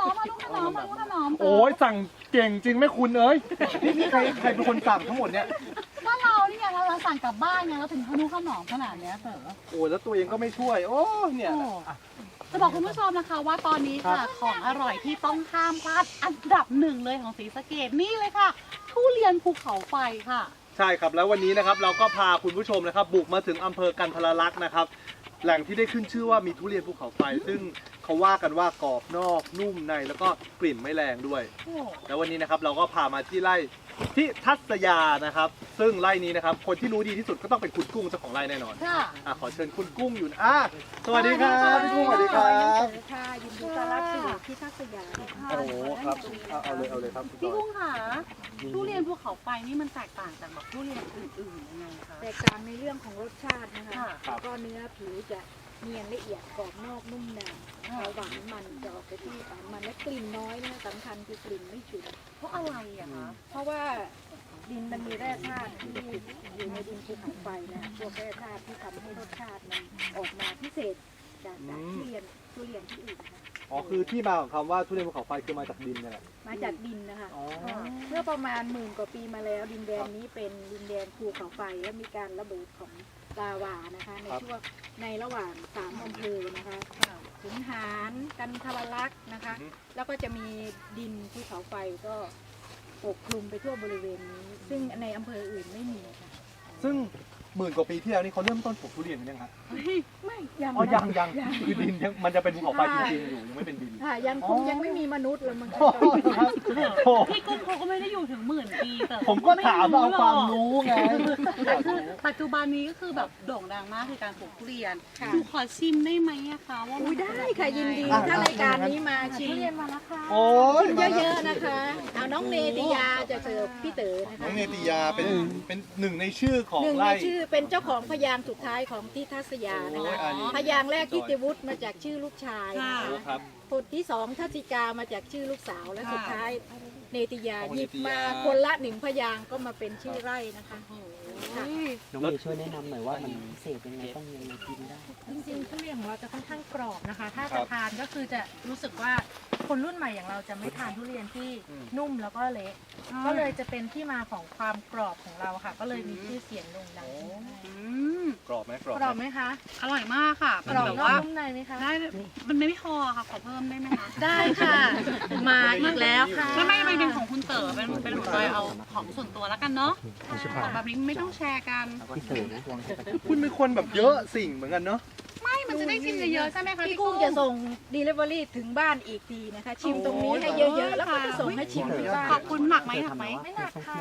โอ้ยสั่งเก่งจริงไหมคุณเอ้ยนี่ใครเป็นคนสั่งทั้งหมดเนี่ยก็เรานี่ไงเราสั่งกลับบ้านไงเราถึงขนมขนาดเนี้ยเต๋อโอ้แล้วตัวเองก็ไม่ช่วยโอ้เนี่ยจะบอกคุณผู้ชมนะคะว่าตอนนี้ค่ะของอร่อยที่ต้องห้ามพลาดอันดับหนึ่งเลยของศรีสะเกษนี่เลยค่ะทุเรียนภูเขาไฟค่ะใช่ครับแล้ววันนี้นะครับเราก็พาคุณผู้ชมนะครับบุกมาถึงอำเภอกันทรลักษณ์นะครับแหล่งที่ได้ขึ้นชื่อว่ามีทุเรียนภูเขาไฟซึ่งเขาว่ากันว่ากรอบนอกนุ่มในแล้วก็กลิ่นไม่แรงด้วยแล้ววันนี้นะครับเราก็พามาที่ไร่ที่ทัศยานะครับซึ่งไร่นี้นะครับคนที่รู้ดีที่สุดก็ต้องเป็นคุณกุ้งเจ้าของไร่แน่นอนขอเชิญคุณกุ้งอยู่สวัสดีครับพี่กุ้งสวัสดีครับค่ะยินดีต้อนรับสู่ที่ทัศยาโอ้โหครับเอาเลยครับพี่กุ้งค่ะทุเรียนภูเขาไฟนี่มันแตกต่างจากแบบทุเรียนอื่นๆยังไงคะแตกต่างในเรื่องของรสชาตินะคะแล้วก็เนื้อผิวจะเนียนละเอียดกรอบนอกนุ่มในหวานมันจะออกไปที่หวานมันและกลิ่นน้อยนะคะสำคัญคือกลิ่นไม่ฉุนเพราะอะไรอะคะเพราะว่าดินมันมีแร่ธาตุที่อยู่ในดินภูเขาไฟนะพวกแร่ธาตุที่ทำให้รสชาติมันออกมาพิเศษจากทุเรียนที่อื่นค่ะอ๋อคือที่มาของคำว่าทุเรียนภูเขาไฟคือมาจากดินเนี่ยมาจากดินนะคะเมื่อประมาณ10,000 กว่าปีมาแล้วดินแดนนี้เป็นดินแดนภูเขาไฟและมีการระเบิดของลาวานะคะในช่วงในระหว่าง3 อำเภอนะคะขุนหารกันทรลักษณ์นะคะแล้วก็จะมีดินภูเขาไฟก็ปกคลุมไปทั่วบริเวณนี้ซึ่งในอำเภออื่นไม่มีค่ะซึ่ง10,000 กว่าปีที่แล้วนี่เขาเริ่มต้นปลูกทุเรียนกันยังครับไม่ยังคือดินมันจะเป็นภูเขาไฟจริงๆอยู่ยังไม่เป็นดินค่ะยังไม่มีมนุษย์เลยมันพี่กุ้งเขาก็ไม่ได้อยู่ถึง10,000 ปีแต่ผมก็ถามเอาความรู้ไงแต่คือปัจจุบันนี้ก็คือแบบโด่งดังมากคือการปลูกทุเรียนหนูขอชิมได้ไหมอะคะว่าได้ค่ะยินดีถ้ารายการนี้มาชิมทุเรียนมาแล้วค่ะโอ้ยเยอะๆนะคะเอาน้องเนติยาจะเสิร์ฟพี่เต๋อนะคะน้องเนติยาเป็นหนึ่งในชื่อของไร่ชื่อเป็นเจ้าของพยางค์สุดท้ายของที่ทัศยานะคะพยางค์แรกทิติวุฒิมาจากชื่อลูกชายคนที่2ทัศจิกามาจากชื่อลูกสาวและสุดท้ายเนติยาหยิบมาคนละ1 พยางค์ก็มาเป็นชื่อไร่นะคะน้องเมย์ช่วยแนะนำหน่อยว่ามันพิเศษยังไงต้องยังไงกินได้จริงๆทุเรียนของเราจะค่อนข้างกรอบนะคะถ้าจะทานก็คือจะรู้สึกว่าคนรุ่นใหม่อย่างเราจะไม่ทานทุเรียนที่นุ่มแล้วก็เละก็เลยจะเป็นที่มาของความกรอบของเราค่ะก็เลยมีชื่อเสียงโด่งดังกรอบไหมกรอบไหมคะอร่อยมากค่ะกรอบนอกนุ่มในไหมคะได้มันไม่พอค่ะขอเพิ่มได้ไหมคะได้ค่ะมาอีกแล้วค่ะไม่เป็นของคุณเต๋อเป็นหนูเลยเอาของส่วนตัวแล้วกันเนาะของแบบนี้ไม่ต้องแชร์กันคุณเป็นคนแบบเยอะสิ่งเหมือนกันเนาะไม่มันจะได้ชิมเยอะๆใช่ไหมคะพี่กุ้งจะส่ง delivery ถึงบ้านอีกทีนะคะชิมตรงนี้ให้เยอะๆแล้วก็จะส่งให้ชิมที่บ้านขอบคุณหนักไหมไม่หนักค่ะ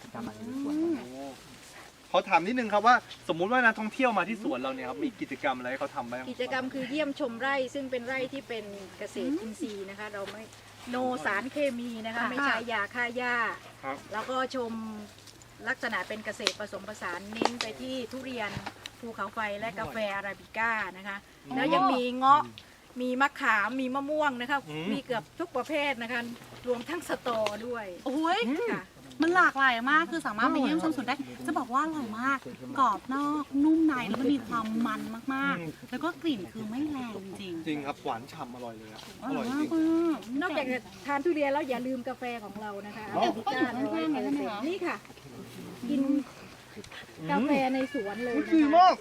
เขาถามนิดนึงครับว่าสมมุติว่านักท่องเที่ยวมาที่สวนเราเนี่ยครับมีกิจกรรมอะไรให้เขาทำบ้างกิจกรรมคือเยี่ยมชมไร่ซึ่งเป็นไร่ที่เป็นเกษตรอินทรีย์นะคะเราไม่โนสารเคมีนะคะไม่ใช้ยาฆ่าหญ้าแล้วก็ชมลักษณะเป็นเกษตรผสมผสานเน้นไปที่ทุเรียนภูเขาไฟและกาแฟอาราบิก้านะคะแล้วยังมีเงาะมีมะขามมีมะม่วงนะคะมีเกือบทุกประเภทนะคะรวมทั้งสตอด้วยโอ้ยมันหลากหลายมากคือสามารถไปเยี่ยมชมสวนได้จะบอกว่าอร่อยมากกรอบนอกนุ่มในแล้วมันมีความมันมากๆแล้วก็กลิ่นคือไม่แรงจริงจริงครับหวานฉ่ำอร่อยเลยอร่อยจริงนอกจากทานทุเรียนแล้วอย่าลืมกาแฟของเรานะคะอาราบิก้านี่ค่ะกินกาแฟในสวนเลยดีมาก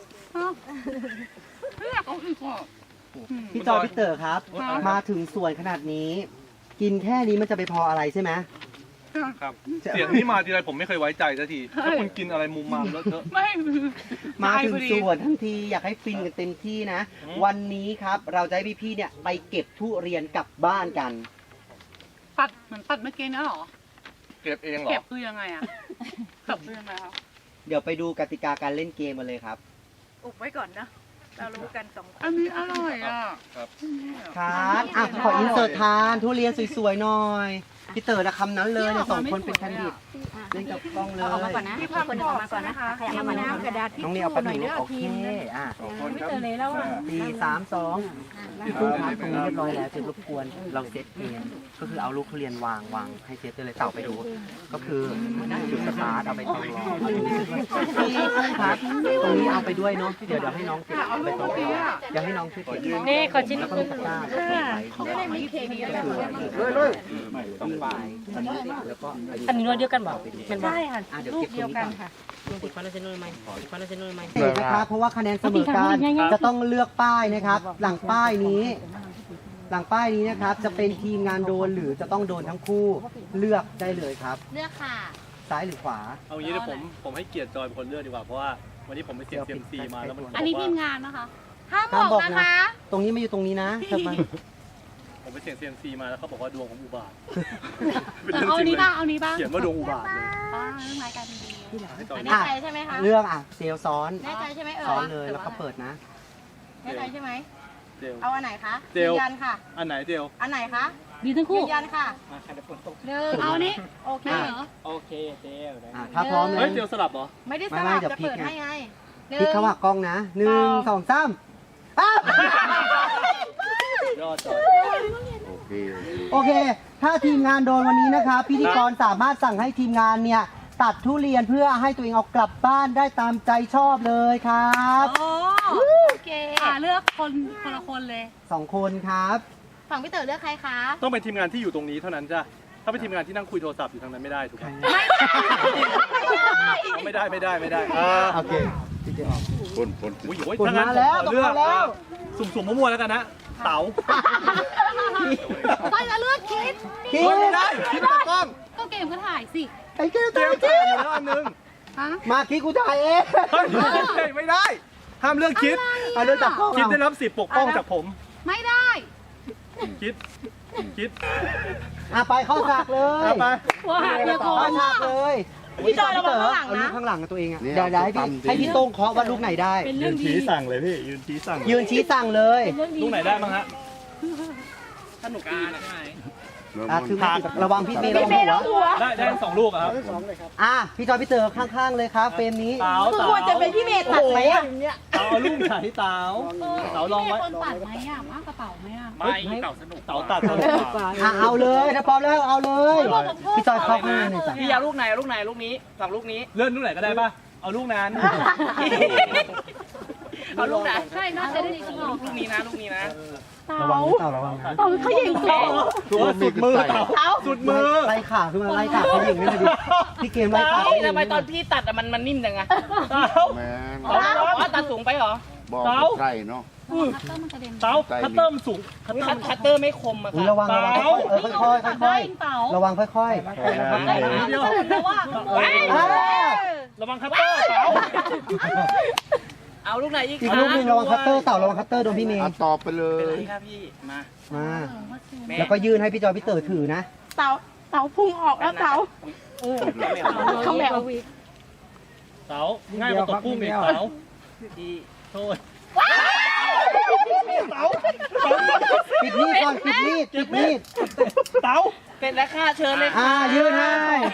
พี่จอยพี่เต๋อครับมาถึงสวนขนาดนี้กินแค่นี้มันจะไปพออะไรใช่ไหมครับเสียงนี้มาทีไรผมไม่เคยไว้ใจสักทีถ้าคุณกินอะไรมุมมามแล้วเถอะมาถึงสวนทั้งทีอยากให้ฟินกันเต็มที่นะวันนี้ครับเราจะให้พี่ๆเนี่ยไปเก็บทุเรียนกลับบ้านกันเหมือนตัดเมื่อกี้นะหรอเก็บเองหรอเก็บคือยังไงอะเก็บคือยังไงครับเดี๋ยวไปดูกติกาการเล่นเกมกันเลยครับอุบไว้ก่อนนะเรารู้กัน2 คนอันนี้อร่อยอ่ะครับขออินเสิร์ตทานทุเรียนสวยๆหน่อยพี่เต๋อนะคำนั้นเลยเนี่ย2 คนเป็นแคนดิเดตเล่นกับกล้องเลยเอาออกมาก่อนนะมีความคนกอรออบ กมาก่อนใช่ไหมนะคะคะขยับมาน้ำกระดาษทิชน้องชู่นี่เอาแป๊บหน่นึอยงเด้อโอเคทีมอ่ะไม่เจอเลยแล้วอ่ะ 4 3 2พี่ตู้ครับตรงนี้เรียบร้อยแล้วเสร็จรบกวนเราเซตเองก็คือเอาลูกทุเรียนวางให้เซตได้เลยเต่าไปดู ก็คือจุดสตาร์ทเอาไปตองรอพี่ครับตรงนี้เอาไปด้วยเนาะเดี๋ยวให้น้องเก็บเอาไปตองรอเดี๋ยวให้น้องช่วยเก็บนี่ขอชิ้นแล้วก็นึมีงตะกร้าไม่ได้มีเคมีอะไรต้องปลายแล้วก็อันนี้นวดเดียวกันบอกเป็นบอกใช่ค่ะเดี๋ยวลูเก็กบเดียวกันค่ะอีกคนละเซนนไหมอีกคนละเซนนไหมเสร็จนะครับเพราะว่าคะแนนเสมอกันจะต้องเลือกป้ายนะครับ หลังป้ายนี้นะครับจะเป็นทีมงานโดนหรือจะต้องโดนทั้งคู่เลือกได้เลยครับเลือกค่ะซ้ายหรือขวาเอางี้เดี๋ยวผมให้เกียรติจอยเป็นคนเลือกดีกว่าเพราะว่าวันนี้ผมไปเสี่ยงเซียมซีมาแล้วมันอันนี้บกทีว่ามงานนะคะ ห้ามบอกนะคะตรงนี้ไม่อยู่ตรงนี้นะทำไมผมไปเสี่ยงเซียมซีมาแล้วเขาบอกว่าดวงของอุบาทเอานี้บ้างเอานี้บ้างเขียนว่าดวงอุบาทเลยป้าเรื่องรายการดีให้จอยแน่ใจใช่ไหมคะเรื่องเซลลซ้อนแน่ใจใช่ไหมเออซ้อนเลยแล้วก็เปิดนะแน่ใจใช่ไหมเจลเอาอันไหนคะเจลยืนยันค่ะอันไหนเจลอันไหนคะดีทั้งคู่ยืนยันค่ะหนึ่งเอานี้โอเคเหรอโอเคเจลถ้าพร้อมแล้เฮ้วยเจลสลับเหรอไม่ได้สไม่ลับเดี๋ยวจะพลิกเปิดไงให้ไงหนึ่พลิกเข้าหากล้องนะ1 2 3อ้าวยอดจอยโอเค ถ้าทีมงานโดนวันนี้นะครับพิธีกรสามารถสั่งให้ทีมงานเนี่ยตัดทุเรียนเพื่อให้ตัวเองเอากลับบ้านได้ตามใจชอบเลยครับโอ้โอเคเลือกคนละคนเลย 2 คนครับฝั่งพี่เต๋อเลือกใครคะต้องเป็นทีมงานที่อยู่ตรงนี้เท่านั้นจ้ะถ้าเป็นทีมงานที่นั่งคุยโทรศัพท์อยู่ทางนั้นไม่ได้ถูกไหมไม่ได้โอเคพี่เจออกอุ้ยโอ้ยกดถ้างั้นมาแล้วผมขอเลือกกดมาแล้วสุ่มๆมั่วๆแล้วกันนะเต๋าไปจะเลือกคิดคิดไม่ได้คิดตากล้องก็เกมก็ถ่ายสิไอ้คิดเตรียมคิถ่ายดอยู่แล้วอันนึงฮะมาคิดกูถ่ายเองเฮ้ยไม่ได้ ห้ามเลือกคิดเอาเรื่องจับกล้องคิดได้เอารับสิทธิ์ปกป้องจากผมไม่ได้คิดไปเข้าฉากเลยเอาไปว้าเดี๋ยวก่อเข้าน ฉากเลยพี่จอยระวังข้างหลังเอาลูนะกข้างหลังกับตัวเองอ่ะเดี๋ยวให้พี่โต้งเคาะว่าลูกไหนได้ยืนชี้สั่งเลยพี่ยืนชี้สั่งยืนชี้สั่งเลยลูกไหนได้บ้างฮะคือระวังพี่เมย์ระวังหัวได้ทั้งสองลูกอะครับพี่จอยพี่เต๋อข้างๆเลยครับเฟรมนี้เต๋าควรจะเป็นพี่เมย์ตัดไหมอ่ะเต๋าเอาลูกไหนเต๋าเต๋าลองไว้คนปัดไหมอ่ะมากกระเป๋าไหมอ่ะไม่เต๋าสนุกเต๋าตัดสนุกกว่าเอาเลยถ้าพร้อมแล้วเอาเลยพี่จอยเข้าข้างในหน่อยจ้ะพี่เอาลูกไหนลูกไหนลูกนี้ฝั่งลูกนี้เลื่อนลูกไหนก็ได้ป่ะเอาลูกนั้นเอาลูกไหนใช่น่าจะได้จริงลูกนี้นะลูกนี้นะระวังเต่าระวังนะเขาหญิงเต่าตัวสุดมือเต๋าสุดมือไล่ขาขึ้นมาไล่ขาเขาหญิงนี่เลยดิพี่เกมไล่ขาทำไมตอนพี่ตัดมันนิ่มจังอะเต๋าแมนอ๋อตัดสูงไปเหรอบอกเต๋าใช่เนาะคัตเตอร์มันกระเด็นเต๋าคัตเตอร์มันสูงคัตเตอร์คัตเตอร์ไม่คมอะอุ้ยค่ะระวังค่อยๆค่อยเต่าๆระวังค่อยเดียวแต่ว่าระวังคัตเตอร์เต๋าเอาลูกไหนอีกอีกลูกหนึ่งระวังคัตเตอร์เต่าระวังคัตเตอร์โดนพี่เมย์ตอบไปเลเป็นไรยครับพี่มามาแล้วก็ยื่นให้พี่จอยพี่เต๋อถือนะเต๋าพุ่งออกแล้วเต๋าเขาแมวเต๋าง่ายกว่าตกกุ้งอีกเต๋าพี่โทษปิดมีดก่อนปิดมีดปิดมีดเต๋าเป็นราคาเชิญเลยยื่นให้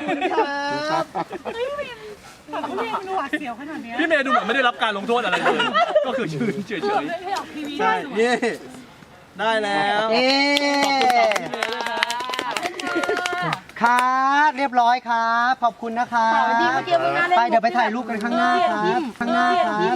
เขาเรียกหนวดเสียวขนาดนี้พี่เมย์ดูเหมือนไม่ได้รับการลงโทษอะไรเลยก็คือยืนเฉยไม่ออกทีวีๆใช่นี่ได้แล้วเอ๊ ครับเรียบร้อยครับ ขอบคุณนะครับดีเมื่อกี้มึงน่าเล่นไปเดี๋ยวไปถ่ายรูปกันข้างหน้าครับ ข้างหน้าครับ